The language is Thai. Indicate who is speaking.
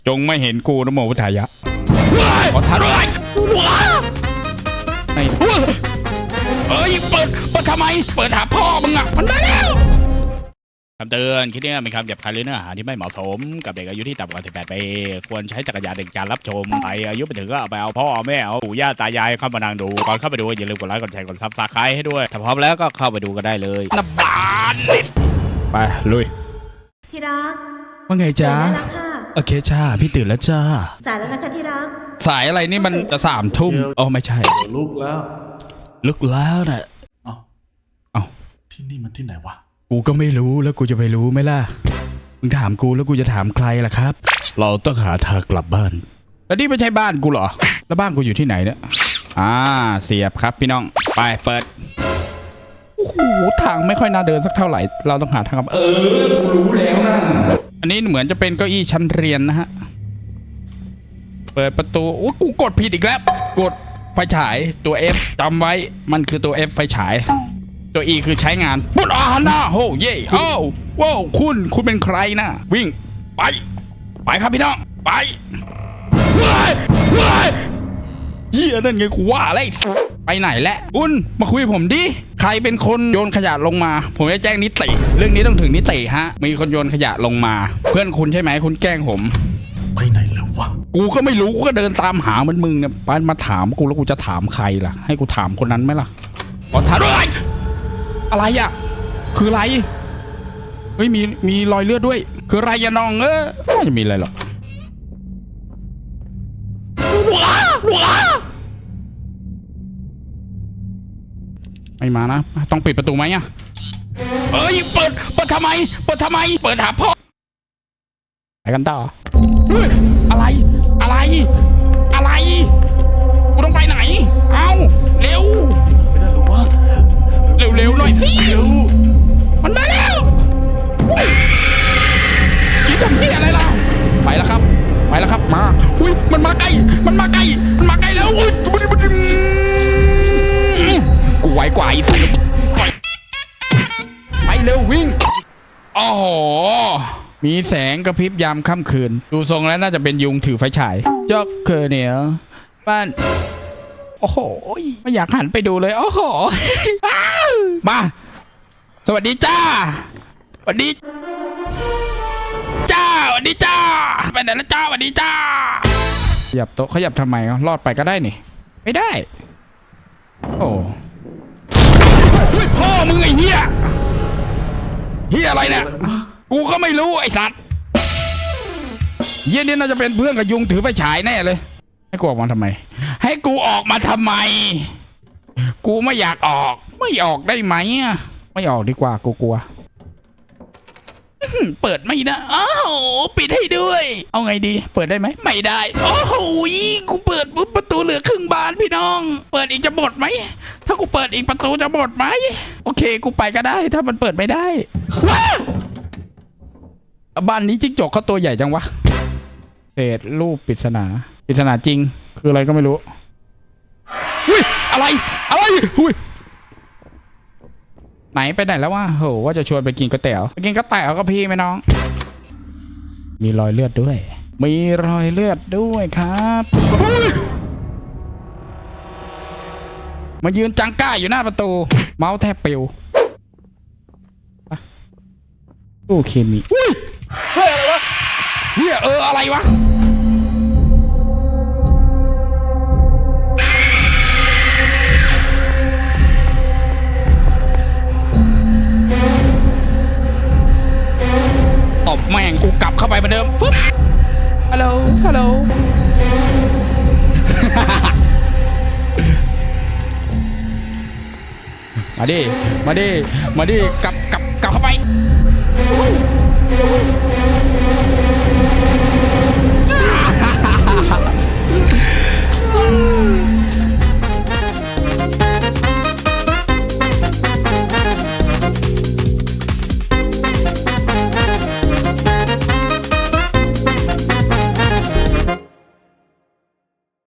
Speaker 1: จงไม่เห็นกูนะโมพุทธายะขอทานด้วยเฮ้ยเปิดทำไมเปิดหาพ่อมึงอ่ะมันได้แล้วคำเตือนคลิปนี้เป็นคำหยาบคายหรือเนื้อหาที่ไม่เหมาะสมกับเด็กอายุที่ต่ำกว่า18 ปีควรใช้จักรยานในการรับชมใครอายุไปถึงก็เอาไปเอาพ่อแม่เอาปู่ย่าตายายเข้ามานั่งดูก่อนเข้าไปดูอย่าลืมกดไลค์กดแชร์กดซับสไครต์ให้ด้วยถ้าพร้อมแล้วก็เข้าไปดูกันได้เลยนบานไปลุย
Speaker 2: ที่รัก
Speaker 1: ว่าไงจ๊ะ
Speaker 2: ตื่นได้แล้วค่ะ
Speaker 1: โอเคจ้าพี่ตื่นแล้วจ้า
Speaker 2: สายแล้วนะคะที่รัก
Speaker 1: สายอะไรนี่มันจะ3 ทุ่มอ๋อไม่ใช่
Speaker 3: ลุกแล้ว
Speaker 1: ลุกแล้วนะ เอ้า
Speaker 3: ที่นี่มันที่ไหนวะ
Speaker 1: กูก็ไม่รู้แล้วกูจะไปรู้ไหมล่ะมึงถามกูแล้วกูจะถามใครล่ะครับ เราต้องหาทางกลับบ้านแล้วนี่ไม่ใช่บ้านกูเหรอแล้วบ้านกูอยู่ที่ไหนเนี่ยเสียบครับพี่น้องไปเปิดโอ้โหทางไม่ค่อยน่าเดินสักเท่าไหร่เราต้องหาทางกลับกูรู้แล้วนะอันนี้เหมือนจะเป็นเก้าอี้ชั้นเรียนนะฮะเปิดประตูโอ้กูกดผิดอีกแล้วกดไฟฉายตัว F จำไว้มันคือตัว F ไฟฉายตัว E คือใช้งานปุ๊บหน้าโหเย่โอ้ว้าวคุณเป็นใครนะวิ่งไปครับพี่น้องไปเฮียนั่นไงกูว่าอะไรไปไหนแหละคุณมาคุยผมดิใครเป็นคนโยนขยะลงมาผมจะแจ้งนิติเรื่องนี้ต้องถึงนิติฮะมีคนโยนขยะลงมาเพื่อนคุณใช่ไหมคุณแกล้งผม
Speaker 3: ไปไหนแล้ววะ
Speaker 1: กูก็ไม่รู้กูก็เดินตามหามันมึงเนี่ยมาถามกูแล้วกูจะถามใครล่ะให้กูถามคนนั้นไหมล่ะขอถามด้วยอะไรอ่ะคืออะไรเฮ้ยมีรอยเลือดด้วยคืออะไรยะน้องไม่จะมีอะไรหรอกไม่มานะต้องปิดประตูไหมอ่ะเฮ้ยเปิดทำไมเปิดหาพ่อไปกันต่อเฮ้ยอะไรกูต้องไปไหนเอาเร็ว
Speaker 3: ไม่ได้หรอวะ
Speaker 1: เร็วหน่อยสิมันมาแล้วยี่ทำที่อะไรล่ะไปแล้วครับมาอุ้ยมันมาใกล้แล้วอุ้ยกูไวกว่าอีสิไปเร็ววิ่งอ๋อมีแสงกระพริบยามค่ำคืนดูทรงแล้วน่าจะเป็นยุงถือไฟฉายจ๊อกเคอเนี่ยบ้านโอ้โหไม่อยากหันไปดูเลยโอ้โหมาสวัสดีจ้าสวัสดีจ้าไปไหนแล้วจ้าสวัสดีจ้าขยับโต๊ะขยับทำไมรอดไปก็ได้นี่ไม่ได้โอ้พ่อมึงไอ้เหี้ยอะไรเนี่ยกูก็ไม่รู้ไอ้สัตว์เหี้ยนี่น่าจะเป็นเพื่อนกับยุงถือไฟฉายแน่เลยให้กูออกมาทำไมกูไม่อยากออกไม่ออกได้ไหมไม่ออกดีกว่ากูกลัวเปิดไม่ได้อ้าวปิดให้ด้วยเอาไงดีเปิดได้ไหมไม่ได้โอ้โหกูเปิดปุ๊บประตูเหลือครึ่งบานพี่น้องเปิดอีกจะหมดไหมถ้ากูเปิดอีกประตูจะหมดไหมโอเคกูไปก็ได้ถ้ามันเปิดไม่ได้ว้าบ้านนี้จิ้งจกเขาตัวใหญ่จังวะเศษรูปปริศนาจริงคืออะไรก็ไม่รู้อุ้ยอะไรอุ้ยไหนไปไหนแล้ววะโหว่าจะชวนไปกินก๋วยเตี๋ยวก็พี่ไหมน้องมีรอยเลือดด้วยครับมายืนจังก้าอยู่หน้าประตูเมาส์แทบปิวตู้เคมีอุ้ยอะไรวะตบแม่งกูกลับเข้าไปเหมือนเดิมปึ๊บฮัลโหลมาดิกลับเข้าไป